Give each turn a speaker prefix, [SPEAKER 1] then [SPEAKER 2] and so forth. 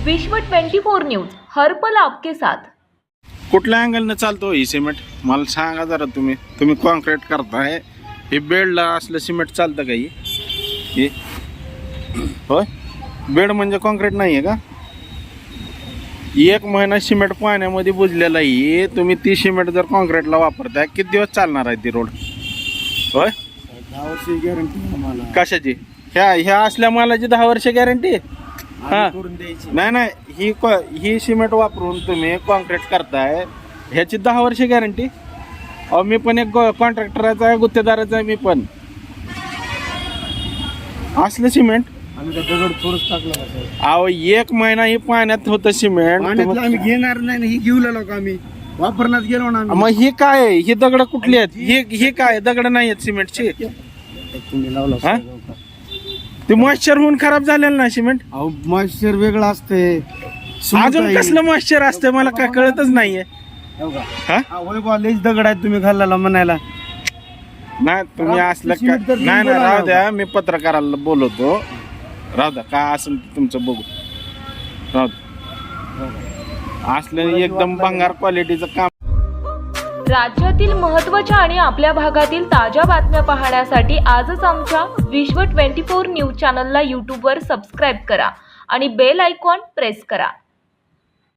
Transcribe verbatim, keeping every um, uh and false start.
[SPEAKER 1] विश्व चोवीस न्यूज हर पल आपके साथ।
[SPEAKER 2] कुठल्या अँगलनं चालतो ही सिमेंट मला सांगा जरा। तुम्ही तुम्ही कॉन्क्रीट करताय, हे बेडला असलं सिमेंट चालतं का? ही होय, बेड म्हणजे कॉन्क्रीट नाही आहे का? एक महिना सिमेंट पाण्यामध्ये बुजलेला आहे, तुम्ही ती सिमेंट जर कॉन्क्रीटला वापरताय किती दिवस चालणार आहे ती रोड? होय,
[SPEAKER 3] दहा वर्षी गॅरंटी आम्हाला
[SPEAKER 2] कशाची? ह्या ह्या असल्या मालाची दहा वर्ष गॅरंटी? हा,
[SPEAKER 3] करून द्यायची
[SPEAKER 2] नाही नाही, ही ही सिमेंट वापरून तुम्ही कॉन्क्रीट करताय, ह्याची दहा वर्ष गॅरंटी? अहो मी पण एक कॉन्ट्रॅक्टराचा आहे, गुत्तेदाराचा आहे मी पण. असलं सिमेंट
[SPEAKER 3] आम्ही काय दगड थोडंच टाकलं का साहेब?
[SPEAKER 2] अहो एक महिना ही पाण्यात होतं सिमेंट.
[SPEAKER 3] पाण्यातलं आम्ही घेणार नाही ना, ही घेऊ लागलो आम्ही वापरण्यात गेलो ना आम्ही.
[SPEAKER 2] मग ही काय आहे? ही दगड कुठली आहेत? ही ही काय दगड नाही आहेत सिमेंटची?
[SPEAKER 3] तुम्ही लावला
[SPEAKER 2] हा?
[SPEAKER 3] साहेब का?
[SPEAKER 2] ते मॉइश्चर होऊन खराब झालेलं ना सिमेंट.
[SPEAKER 3] अहो मॉइश्चर वेगळं असते.
[SPEAKER 2] अजून कसलं मॉइश्चर असतं मला काय कळतच नाहीये. हा?
[SPEAKER 3] होय बा, लईच दगड आहेत तुम्ही घालायला म्हणायला.
[SPEAKER 2] नाही तुम्ही असलं का?
[SPEAKER 3] सिमेंट तर
[SPEAKER 2] नाही नाही,
[SPEAKER 3] बोला
[SPEAKER 2] राहू
[SPEAKER 3] ना.
[SPEAKER 2] द्या, मी पत्रकाराला बोलवतो. राहू द्या, काय असेल ते तुमचं बघू. राहू द्या, असलं एकदम भंगार क्वालिटीचं काम.
[SPEAKER 1] राज्यातील महत्त्वाच्या आणि आपल्या भागातील ताज्या बातम्या पाहण्यासाठी आजच आमच्या विश्व चोवीस न्यूज चॅनलला यूट्यूबवर सबस्क्राईब करा आणि बेल आयकॉन प्रेस करा।